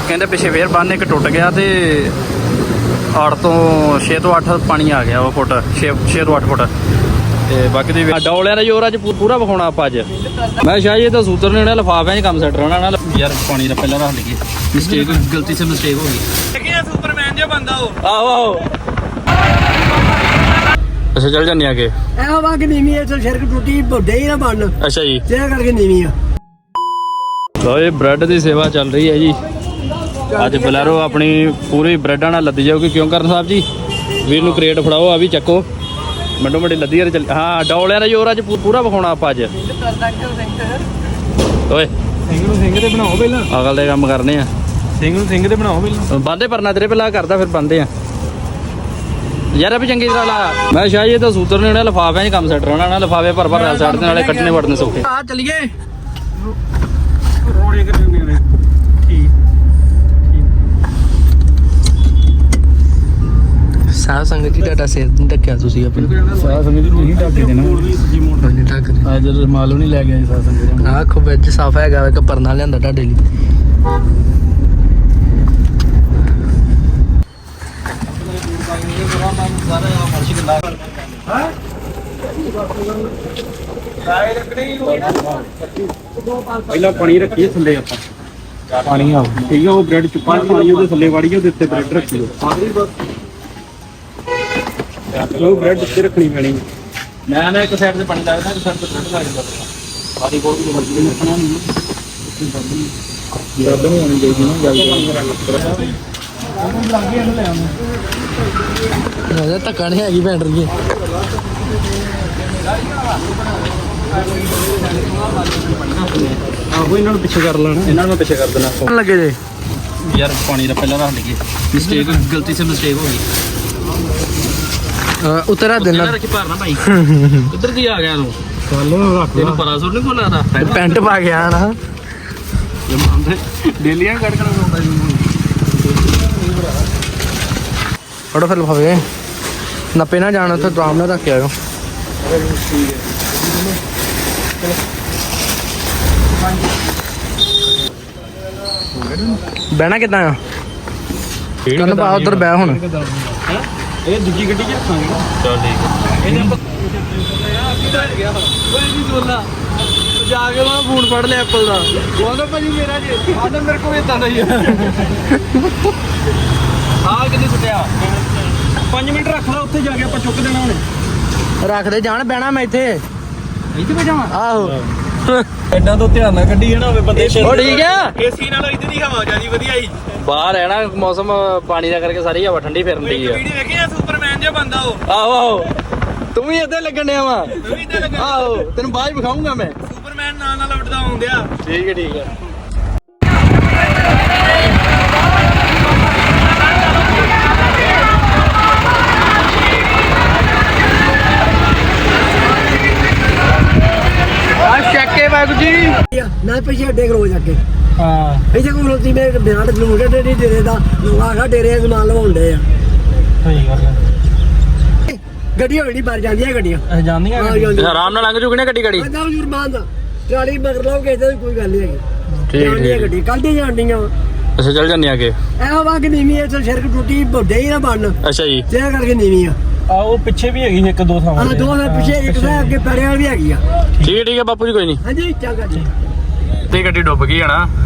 ਕਹਿੰਦੇ ਪਿੱਛੇ ਫੇਰ ਬੰਨ ਇੱਕ ਟੁੱਟ ਗਿਆ ਤੇ ਆੜ ਤੋਂ 6 ਤੋਂ 8 ਪਾਣੀ ਆ ਗਿਆ ਉਹ ਫੁੱਟ 6 ਤੋਂ 8 ਫੁੱਟ ਤੇ ਬਾਕੀ ਦੀ ਡੌਲਿਆਂ ਦਾ ਜ਼ੋਰ ਅੱਜ ਪੂਰਾ ਵਿਖਾਉਣਾ ਆਪਾਂ ਅੱਜ। ਮੈਂ ਸ਼ਾਇਦ ਇਹ ਤਾਂ ਸੂਤਰ ਨੇ ਉਹਨਾਂ ਲਿਫਾਫਿਆਂ 'ਚ ਕੰਮ ਸੈੱਟ ਰਹਿਣਾ ਨਾ ਯਾਰ। ਪਾਣੀ ਦਾ ਪਹਿਲਾਂ ਰੱਖ ਲਈਏ, ਮਿਸਟੇਕ ਗਲਤੀ ਸੇ ਮਿਸਟੇਕ ਹੋ ਗਈ। ਕੀ ਸੁਪਰਮੈਨ ਜਿਹਾ ਬੰਦਾ ਉਹ। ਆਹੋ ਅੱਛਾ ਚੱਲ ਜਾਂਦੇ ਆਗੇ। ਇਹੋ ਵਾ ਕਿ ਨੀਵੀਂ ਇੱਥੇ ਸੜਕ ਟੁੱਟੀ ਵੱਡੇ ਹੀ ਨਾ ਬਣ। ਅੱਛਾ ਜੀ ਤੇ ਕਰਕੇ ਨੀਵੀਂ ਆ। ਲੋ ਇਹ ਬ੍ਰੈਡ ਦੀ ਸੇਵਾ ਚੱਲ ਰਹੀ ਹੈ ਜੀ ਅੱਜ। ਬਲੈਰੋ ਆਪਣੀ ਪੂਰੀ ਬ੍ਰੈਡਾਂ ਨਾਲ ਲੱਦੀ ਜਾਊਗੀ। ਕਿਉਂ ਕਰਨ ਸਾਹਿਬ ਜੀ ਵੀਰ ਨੂੰ ਕ੍ਰੇਟ ਫੜਾਓ, ਆ ਵੀ ਚੱਕੋ ਮੰਡੋ ਮੰਡੀ ਲੱਦੀ ਯਾਰ। ਹਾਂ ਡੌਲਿਆਂ ਦਾ ਜ਼ੋਰ ਅੱਜ ਪੂਰਾ ਵਿਖਾਉਣਾ ਆਪਾਂ ਅੱਜ। ਓਏ ਸਿੰਘ ਨੂੰ ਸਿੰਘ ਤੇ ਬਣਾਓ ਪਹਿਲਾਂ, ਅਗਲ ਦੇ ਕੰਮ ਕਰਨੇ ਆ। ਸਿੰਘ ਨੂੰ ਸਿੰਘ ਤੇ ਬਣਾਓ ਪਹਿਲਾਂ। ਬਾਂਦੇ ਪਰਨਾ ਤੇਰੇ ਪਹਿਲਾਂ ਕਰਦਾ ਫਿਰ ਬੰਦੇ ਆ ਯਾਰ। ਇਹ ਵੀ ਚੰਗੀ ਤਰ੍ਹਾਂ ਲਾ। ਮੈਂ ਸ਼ਾਇਦ ਇਹ ਤਾਂ ਸੂਤਰ ਨੇ ਉਹਨਾਂ ਲਿਫਾਫਿਆਂ 'ਚ ਕੰਮ ਸੈੱਟ ਰਹਿਣਾ ਨਾ। ਲਿਫਾਫੇ ਭਰ ਭਰ ਸਾਈਡ ਦੇ ਨਾਲੇ ਕੱਟਣੇ ਵੜਨੇ ਸੌਖੇ। ਆ ਚੱਲੀਏ ਰੋੜੇ ਕਿੰਨੇ ਨੇ। ਠੀਕ ਸਾਹ ਸੰਗਤ ਜੀ ਤੁਹਾਡਾ ਸਿਰ ਨਹੀਂ ਢੱਕਿਆ ਤੁਸੀਂ ਆਪਣਾ। ਸਾਹ ਸੰਗਤ ਜੀ ਤੁਸੀਂ ਢੱਕ ਕੇ ਦੇਣਾ। ਨਹੀਂ ਢੱਕ ਅੱਜ ਜਦੋਂ ਮਾਲੂ ਨਹੀਂ ਲੈ ਗਿਆ ਸਾਹ ਸੰਗਤ ਜੀ। ਆਖੋ ਵਿੱਚ ਸਾਫ ਹੈਗਾ ਵਾ ਕਿ ਪਰਨਾ ਲਿਆਂਦਾ ਤੁਹਾਡੇ ਲਈ। ਪਹਿਲਾਂ ਪਾਣੀ ਰੱਖੀਏ ਥੱਲੇ ਆਪਾਂ। ਪਾਣੀ ਆ ਠੀਕ ਆ। ਉਹ ਬ੍ਰੈਡ ਚੁੱਪਾਂ ਪਾਣੀ ਉਹਦੇ ਥੱਲੇ ਵਾੜੀਏ, ਉਹਦੇ ਉੱਤੇ ਬ੍ਰੈਡ ਰੱਖੀਓ। ਉਹ ਬ੍ਰੈਡ ਉੱਤੇ ਰੱਖਣੀ ਪੈਣੀ। ਮੈਂ ਇੱਕ ਸਾਈਡ ਤੇ ਪਾਣੀ ਲੱਗਦਾ, ਇੱਕ ਸਾਈਡ ਤੇ ਬ੍ਰੈਡ ਲੱਗਦਾ। ਸਾਰੀ ਕੋਲ ਵੀ ਮਰਜ਼ੀ ਰੱਖਣਾ ਨਹੀਂ। ਬ੍ਰੈਡ ਨਹੀਂ ਆਉਣੀ ਚਾਹੀਦੀ ਨਾ ਜਲਦੀ। ਉਹਦਾ ਧੱਕਾ ਨਹੀਂ ਹੈਗੀ ਭੈਣ ਰਹੀ। ਆਹੋ ਇਹਨਾਂ ਨੂੰ ਪਿੱਛੇ ਕਰ ਲੈਣਾ, ਇਹਨਾਂ ਨੂੰ ਪਿੱਛੇ ਕਰ ਦੇਣਾ। ਲੱਗੇ ਜੇ ਯਾਰ ਪਾਣੀ ਦਾ ਪਹਿਲਾਂ ਰੱਖ ਲਈਏ, ਮਿਸਟੇਕ ਗਲਤੀ ਸੇ ਮਿਸਟੇਕ ਹੋ ਗਈ। ਉਤਰਾ ਦੇਣਾ ਰੱਖੀ ਭਰਨਾ ਭਾਈ। ਕਿੱਧਰ ਦੀ ਆ ਗਿਆ ਤੂੰ? ਚੱਲ ਰੱਖ ਤੈਨੂੰ ਪਤਾ ਸੁਣ ਨਹੀਂ ਕੋਲ ਆਦਾ ਪੈਂਟ ਪਾ ਗਿਆ ਨਾ। ਡੇਲੀਆਂ ਕੱਢ ਕੇ ਲਾਉਂਦਾ ਜੀ। ਫੜੋ ਫਿਰ ਲਫਾਵੇ ਨੱਪੇ ਨਾ ਜਾਣ, ਉੱਥੇ ਆਰਾਮ ਨਾਲ ਰੱਖ ਕੇ ਆਇਓ। ਬਹਿਣਾ ਕਿੱਦਾਂ ਆ? ਤੈਨੂੰ ਪਾ ਉਧਰ ਬਹਿ ਹੁਣ। ਇਹ ਦੂਜੀ ਗੱਡੀ 'ਚ ਰੱਖਾਂਗੇ। ਚਲ ਠੀਕ ਇਹਨੇ ਜਾ ਕੇ ਮੈਂ ਫੋਨ ਫੜ ਲਿਆ ਐਪਲ ਦਾ। ਉਹਦਾ ਭਾਜੀ ਮੇਰਾ ਜੀ ਆਦਾ ਮੇਰੇ ਕੋਲ ਇਦਾਂ ਦਾ ਹੀ ਆ। ਹਾਂ ਕਿੰਨੀ ਸੁੱਟਿਆ? 5 ਮਿੰਟ ਰੱਖ ਲਾ, ਉੱਥੇ ਜਾ ਕੇ ਆਪਾਂ ਚੁੱਕ ਦੇਣਾ ਹੁਣ। ਰੱਖਦੇ ਜਾਣ, ਬਹਿਣਾ ਮੈਂ ਇੱਥੇ। ਇੱਥੇ ਬੈਠਾਵਾਂ? ਆਹੋ ਐਡਾ ਤੋਂ ਧਿਆਨ ਨਾਲ ਗੱਡੀ ਹੈ ਨਾ ਹੋਵੇ ਬੰਦੇ। ਉਹ ਠੀਕ ਆ। ਏਸੀ ਨਾਲੋਂ ਇੱਧਰ ਦੀ ਹਵਾ ਜਿਆਦੀ ਵਧੀਆ ਹੀ। ਬਾਹਰ ਹੈ ਨਾ ਮੌਸਮ ਪਾਣੀ ਦਾ ਕਰਕੇ ਸਾਰੀ ਹਵਾ ਠੰਡੀ ਫਿਰਨ ਦੀ ਆ। ਵੀਡੀਓ ਵੇਖੀ ਆ ਸੁਪਰਮੈਨ ਜਿਹਾ ਬੰਦਾ ਉਹ। ਆਹੋ ਆਹੋ ਤੂੰ ਵੀ ਇੱਥੇ ਲੱਗਣ ਡਿਆ ਵਾ। ਤੂੰ ਵੀ ਇੱਥੇ ਲੱਗਾ। ਆਹੋ ਤੈਨੂੰ ਬਾਅਦ ਚ ਵਿਖਾਉਂਗਾ ਮੈਂ। ਸੁਪਰਮੈਨ ਨਾਲ ਉੱਡਦਾ ਆਉਂਦਿਆ। ਠੀਕ ਹੈ ਠੀਕ ਹੈ। ਚੱਕੇ ਵਾਹਿਗੁਰੂ ਜੀ ਨਾ ਪਿੱਛੇ ਅੱਡੇ ਖਲੋ ਜਾ ਕੇ। ਹਾਂ ਇੱਥੇ ਕੋਲ ਲੋਤੀ ਮੇਰੇ ਬਿਆਨ ਨੂੰ ਕੇ ਡੇਰੇ ਡੇਰੇ ਦਾ ਆਖਾ ਡੇਰੇ ਸਮਾਨ ਲਵਾਉਂਦੇ ਆ। ਸਹੀ ਗੱਲ ਹੈ। ਗੱਡੀਆਂ ਹੋਣੀ ਬਾਹਰ ਜਾਂਦੀਆਂ ਗੱਡੀਆਂ। ਅਸੀਂ ਜਾਂਦੀਆਂ ਆ ਜਾਂਦੀਆਂ ਆਰਾਮ ਨਾਲ ਲੰਘ ਜੂਗੀ ਨਾ ਗੱਡੀ ਗਾੜੀ। ਆਂਦਾ ਜੁਰਮਾਨ ਦਾ ਟਰਾਲੀ ਮਗਰ ਲਾਓ ਕਿਸੇ ਦੀ ਕੋਈ ਗੱਲ ਨਹੀਂ ਹੈਗੀ। ਠੀਕ ਜਾਂਦੀਆਂ ਠੀਕ। ਗੱਡੀ ਕੱਲ ਦੀ ਜਾਂਦੀਆਂ। ਅੱਛਾ ਚੱਲ ਜਾਂਦੇ ਆਗੇ। ਇਹੋ ਵਾ ਕਿ ਨੀਵੀਂ ਇੱਥੇ ਸੜਕ ਟੁੱਟੀ ਵੱਡੇ ਹੀ ਨਾ ਬਣ। ਅੱਛਾ ਜੀ ਤੇ ਕਰਕੇ ਨੀਵੀਂ ਆ। ਆ ਉਹ ਪਿੱਛੇ ਵੀ ਹੈਗੀ ਇੱਕ ਦੋ ਥਾਵਾਂ ਆ ਦੋ ਦੇ ਪਿੱਛੇ ਇੱਕ ਦਾ ਅੱਗੇ ਪੈੜਿਆਂ ਵਾਲੀ ਵੀ ਹੈਗੀ ਆ। ਠੀਕ ਹੈ ਠੀਕ ਹੈ ਬਾਪੂ ਜੀ ਕੋਈ ਨਹੀਂ। ਹਾਂਜੀ ਚੰਗਾ ਜੀ। ਤੇ ਗੱਡੀ ਡੁੱਬ ਗਈ ਹੈ ਨਾ।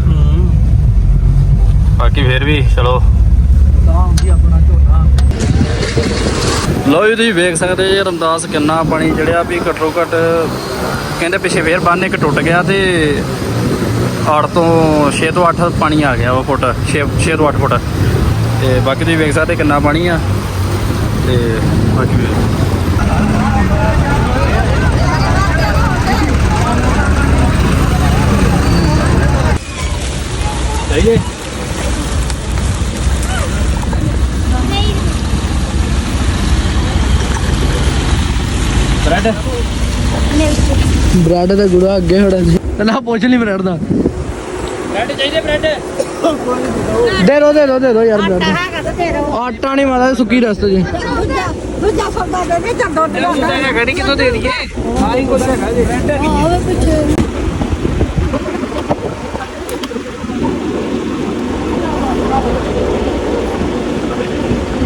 ਬਾਕੀ ਫੇਰ ਵੀ ਚਲੋ। ਆਪਣਾ ਝੋਨਾ ਲਓ ਜੀ ਤੁਸੀਂ ਵੇਖ ਸਕਦੇ ਜੀ ਰਮਦਾਸ ਕਿੰਨਾ ਪਾਣੀ ਚੜਿਆ ਵੀ ਘੱਟੋ ਘੱਟ। ਕਹਿੰਦੇ ਪਿੱਛੇ ਫੇਰ ਬੰਨ ਇੱਕ ਟੁੱਟ ਗਿਆ ਤੇ ਆੜ ਤੋਂ 6 ਤੋਂ 8 ਪਾਣੀ ਆ ਗਿਆ ਉਹ ਫੁੱਟ 6 ਤੋਂ 8 ਫੁੱਟ ਤੇ ਬਾਕੀ ਤੁਸੀਂ ਵੇਖ ਸਕਦੇ ਕਿੰਨਾ ਪਾਣੀ ਆ ਤੇ ਬਾਕੀ ਸਹੀ ਹੈ। ਬ੍ਰੈਡ ਬ੍ਰੈਡ ਦਾ ਗੁੜਾ ਅੱਗੇ ਖੜਾ ਜੀ। ਨਾ ਪੁੱਛ ਲਈ ਬ੍ਰੈਡ ਦਾ। ਬ੍ਰੈਡ ਚਾਹੀਦੇ ਬ੍ਰੈਡ ਦੇ ਦੋ ਯਾਰ ਬ੍ਰੈਡ। ਆਟਾ ਨਹੀਂ ਮਾਦਾ ਸੁੱਕੀ ਰਸਤੇ ਜੀ। ਦੂਜਾ ਸੌਦਾ ਦੇ ਦੇ ਚੱਲ ਦੁੱਧ ਦਾ ਗੜੀ ਕਿੱਥੋਂ ਦੇ ਦਈਏ? ਆਹੀ ਕੁਛ ਹੈਗਾ ਜੀ। ਉਹਦੇ ਪਿੱਛੇ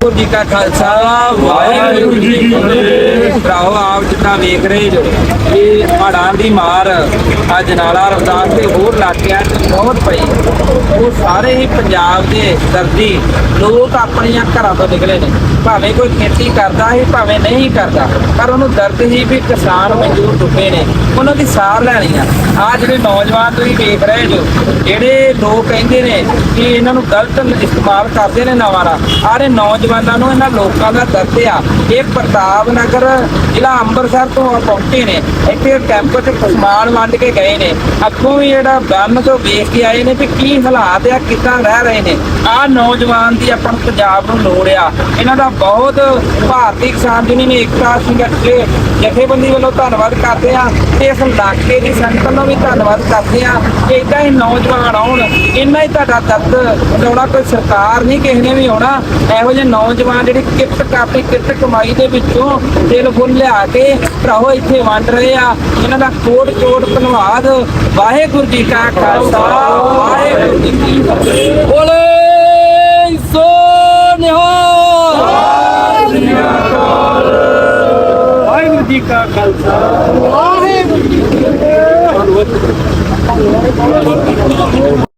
ਵਾਹਿਗੁਰੂ ਜੀ ਕਾ ਖਾਲਸਾ ਵਾਹਿਗੁਰੂ ਜੀ ਕੀ ਫਤਿਹ। ਭਰਾਓ ਆਪ ਜਿੱਦਾਂ ਵੇਖ ਰਹੇ ਜੋ ਇਹ ਹੜ੍ਹਾਂ ਦੀ ਮਾਰ ਅੱਜ ਨਾਲਾ ਰਮਦਾਸ ਤੇ ਹੋਰ ਇਲਾਕਿਆਂ 'ਚ ਬਹੁਤ ਪਈ। ਉਹ ਸਾਰੇ ਹੀ ਪੰਜਾਬ ਦੇ ਦਰਦੀ ਲੋਕ ਆਪਣੀਆਂ ਘਰਾਂ ਤੋਂ ਨਿਕਲੇ ਨੇ, ਭਾਵੇਂ ਕੋਈ ਖੇਤੀ ਕਰਦਾ ਹੈ ਭਾਵੇਂ ਨਹੀਂ ਕਰਦਾ, ਪਰ ਉਹਨੂੰ ਦਰਦ ਹੀ ਵੀ ਕਿਸਾਨ ਮਜ਼ਦੂਰ ਡੁੱਬੇ ਨੇ, ਉਹਨਾਂ ਦੀ ਸਾਰ ਲੈਣੀ ਆ। ਆਹ ਜਿਹੜੇ ਨੌਜਵਾਨ ਤੁਸੀਂ ਵੇਖ ਰਹੇ ਜੋ, ਜਿਹੜੇ ਲੋਕ ਕਹਿੰਦੇ ਨੇ ਕਿ ਇਹਨਾਂ ਨੂੰ ਗਲਤ ਇਸਤੇਮਾਲ ਕਰਦੇ ਨੇ ਨਵਾਂ ਦਾ, ਆਰੇ ਨੌਜਵਾਨਾਂ ਨੂੰ ਇਹਨਾਂ ਲੋਕਾਂ ਦਾ ਦਰਦ ਆ। ਇਹ ਪ੍ਰਤਾਪ ਨਗਰ ਜ਼ਿਲ੍ਹਾ ਅੰਮ੍ਰਿਤਸਰ ਤੋਂ ਪਹੁੰਚੇ ਨੇ, ਇੱਥੇ ਕੈਂਪ 'ਚ ਸਮਾਨ ਵੰਡ ਕੇ ਗਏ ਨੇ, ਅੱਗੋਂ ਵੀ ਜਿਹੜਾ ਬੰਨ ਤੋਂ ਵੇਖ ਕੇ ਆਏ ਨੇ ਵੀ ਕੀ ਹਾਲਾਤ ਆ, ਕਿੱਦਾਂ ਰਹਿ ਰਹੇ ਨੇ। ਆਹ ਨੌਜਵਾਨ ਦੀ ਆਪਾਂ ਨੂੰ ਪੰਜਾਬ ਨੂੰ ਲੋੜ ਆ। ਇਹਨਾਂ ਦਾ ਬਹੁਤ ਭਾਰਤੀ ਕਿਸਾਨ ਯੂਨੀਅਨ ਏਕਤਾ ਸੰਗਠਨ ਜਥੇਬੰਦੀ ਵੱਲੋਂ ਧੰਨਵਾਦ ਕਰਦੇ ਆ ਤੇ ਇਸ ਇਲਾਕੇ ਦੀ ਸੰਗਤ ਨੂੰ ਵੀ ਧੰਨਵਾਦ ਕਰਦੇ ਆ ਕਿ ਏਦਾਂ ਹੀ ਨੌਜਵਾਨ ਆਉਣ, ਇੰਨਾ ਹੀ ਤੁਹਾਡਾ ਦਰਦ ਵਡਾਉਣਾ। ਕੋਈ ਸਰਕਾਰ ਨਹੀਂ ਕਿਸੇ ਨੇ ਵੀ ਆਉਣਾ। ਇਹੋ ਜਿਹੇ ਨੌਜਵਾਨ ਜਿਹੜੀ ਕਿਰਤ ਕਮਾਈ ਦੇ ਵਿੱਚੋਂ ਦਿਲ ਫੁੱਲ ਲਿਆ ਕੇ ਭਰਾਓ ਇੱਥੇ ਵੰਡ ਰਹੇ ਆ, ਇਹਨਾਂ ਦਾ ਕੋਟ ਧੰਨਵਾਦ। ਵਾਹਿਗੁਰੂ ਜੀ ਕਾ ਖਾਲਸਾ ਵਾਹਿਗੁਰੂ ਜੀ ਕੀ ਫਤਿਹ। ਬੋਲੇ ਸੋ ਨਿਹਾਲ। ਵਾਹਿਗੁਰੂ ਜੀ ਕਾ ਖਾਲਸਾ ਵਾਹਿਗੁਰੂ ਜੀ ਕੀ ਫਤਿਹ।